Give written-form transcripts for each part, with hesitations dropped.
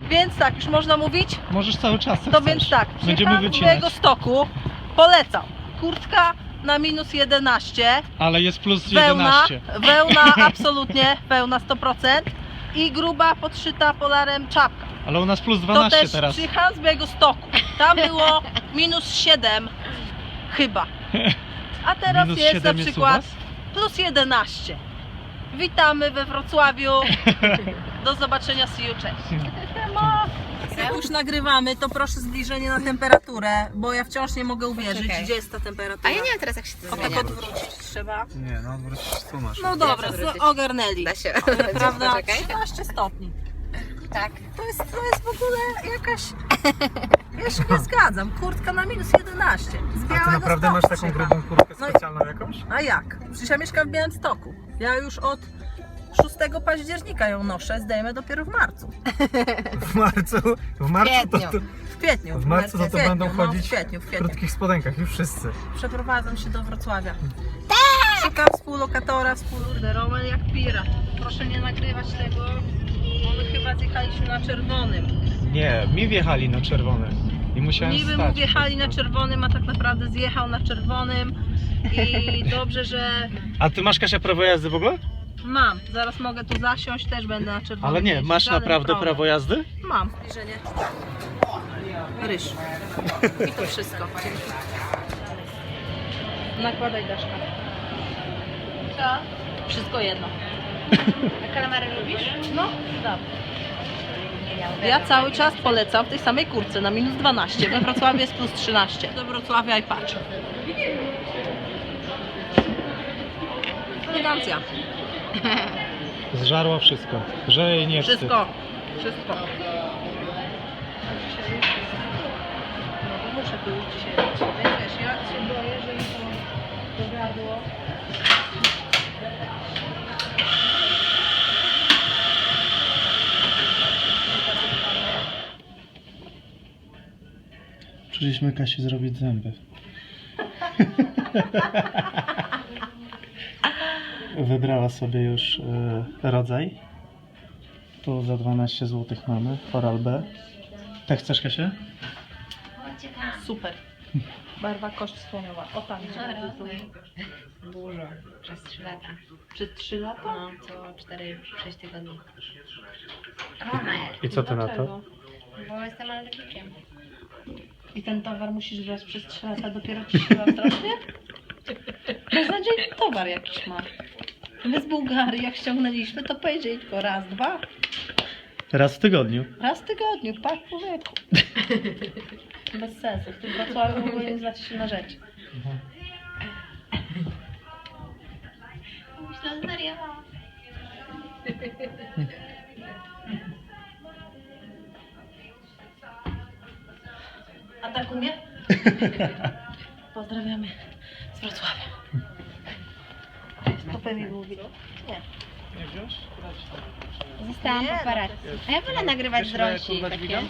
Więc tak, już można mówić? Możesz cały czas. To więc tak, Będziemy przyjechałam z wycinać. Białegostoku, polecam. Kurtka na minus 11, Ale jest plus wełna, 11. wełna absolutnie, wełna 100% i gruba podszyta polarem czapka. Ale u nas plus To 12 też teraz. przyjechałam z Białegostoku, tam było minus 7 chyba, a teraz Minus jest 7 na jest u przykład was? plus 11. Witamy we Wrocławiu, do zobaczenia, see you, cześć. Jak już nagrywamy, to proszę zbliżenie na temperaturę, bo ja wciąż nie mogę uwierzyć, Poczekaj. gdzie jest ta temperatura. A ja nie wiem teraz jak się to O, tak zmienia. odwrócić trzeba. Nie, no wrócić tu masz. No dobra, odwrócić? ogarnęli. Da się. Prawda? Poczekaj. 13 stopni. Tak. To jest w ogóle jakaś... Ja się nie zgadzam. Kurtka na minus 11. Z A ty Białego naprawdę masz Stoku taką przyjechałam. grubą kurtkę No i- specjalną jakąś? A jak? Przecież ja mieszkam w Białymstoku. Ja już od 6 października ją noszę, zdejmę dopiero w marcu. W marcu to, W kwietniu. w marcu to kwietniu, będą chodzić w kwietniu. w krótkich spodenkach, już wszyscy. Przeprowadzam się do Wrocławia. Tak! Szukam współlokatora, Roman jak pirat. Proszę nie nagrywać tego, bo my chyba zjechaliśmy na czerwonym. Nie, mi wjechali na czerwone. I musiałem Niby stać. mu wjechali na czerwonym, a tak naprawdę zjechał na czerwonym. I dobrze, że A ty masz, Kasia, prawo jazdy w ogóle? mam. Zaraz mogę tu zasiąść, też będę na czerwonym. Ale nie, jeździć, masz żaden naprawdę problem. prawo jazdy? Mam. Zbliżenie. Ryż. I to wszystko. Dzięki. Nakładaj daszka. Co? Wszystko jedno. A kalamary lubisz? No, tak. Ja cały czas polecam w tej samej kurce na minus 12. We Wrocławiu jest plus 13. Do Wrocławia i patrz. Elegancja. Zżarła wszystko. Że jej nie wstyd. Wszystko. Wszystko. No, muszę tu już dzisiaj być. Wiesz, ja się boję, że mi to dogadło. Przyszliśmy Kasi zrobić zęby. Wybrała sobie już rodzaj. Tu za 12 zł mamy Oral B. Tak chcesz, Kasia? Super. Barwa kość słoniowa. O tam gdzie. Dużo. Przez 3 lata. Przez 3 lata? No, co 4-6 tygodni. I co ty na to? Dlaczego? Bo jestem alergikiem. I ten towar musisz brać przez 3 lata, dopiero ci się strasznie? Beznadziejny towar jakiś ma. My z Bułgarii jak ściągnęliśmy, to powiedzieli tylko raz, dwa. Raz w tygodniu. Raz w tygodniu, patrz człowieku. Bez sensu. W tym Wrocławiu w ogóle nie znacie się na rzeczy. Myślę, zwariowałam. A tak umie? Pozdrawiamy z Wrocławia. Stopę mi mówi. Nie. Nie wziąć? Zostałam Nie, paparazzi. A ja wolę nagrywać z rąsi takie.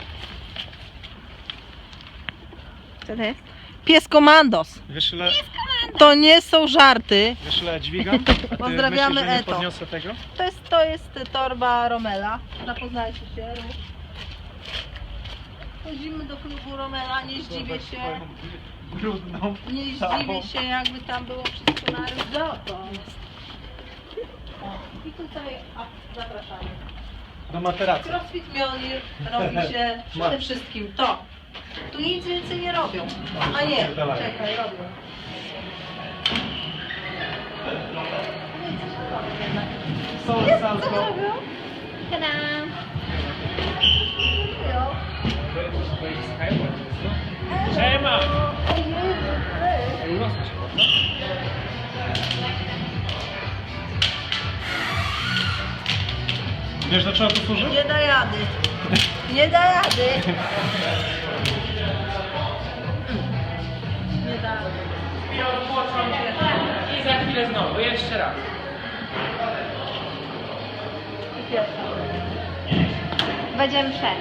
Co to jest? Pies Komandos. Wiesz ile, To nie są żarty. wiesz ile ja dźwigam? A ty Pozdrawiamy myślisz, że nie Eto. podniosę tego? To jest torba Romela. Zapoznajcie się. Chodzimy do klubu Romela, nie zdziwię się. Brudną. Nie zdziwię się, jakby tam było wszystko na ryżoto. I tutaj zapraszamy. Do materacji. Crossfit Mjolnir robi się przede wszystkim to. Tu nic więcej nie robią. A nie, czekaj, robią. Są Co salto. robią? Tada! Siema! Wiesz do czego to służy? Nie da rady. Nie da rady. Nie da rady. I za chwilę znowu, jeszcze raz. Będziemy przed.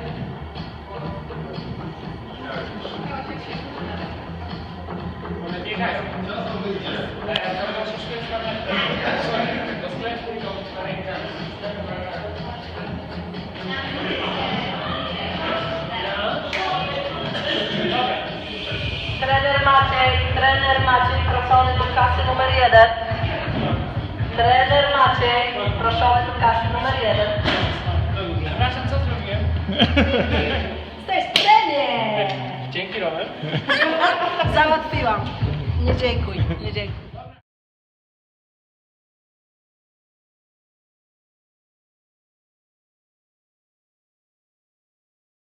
One biegają. Do sklepu i do ręka. Trener Maciej proszony do kasy numer 1. Trener Maciej proszony do kasy numer 1. Przepraszam, co zrobiłem? Jesteś trener! Dzięki, Robert. Załatwiłam. Nie dziękuj, nie dziękuj.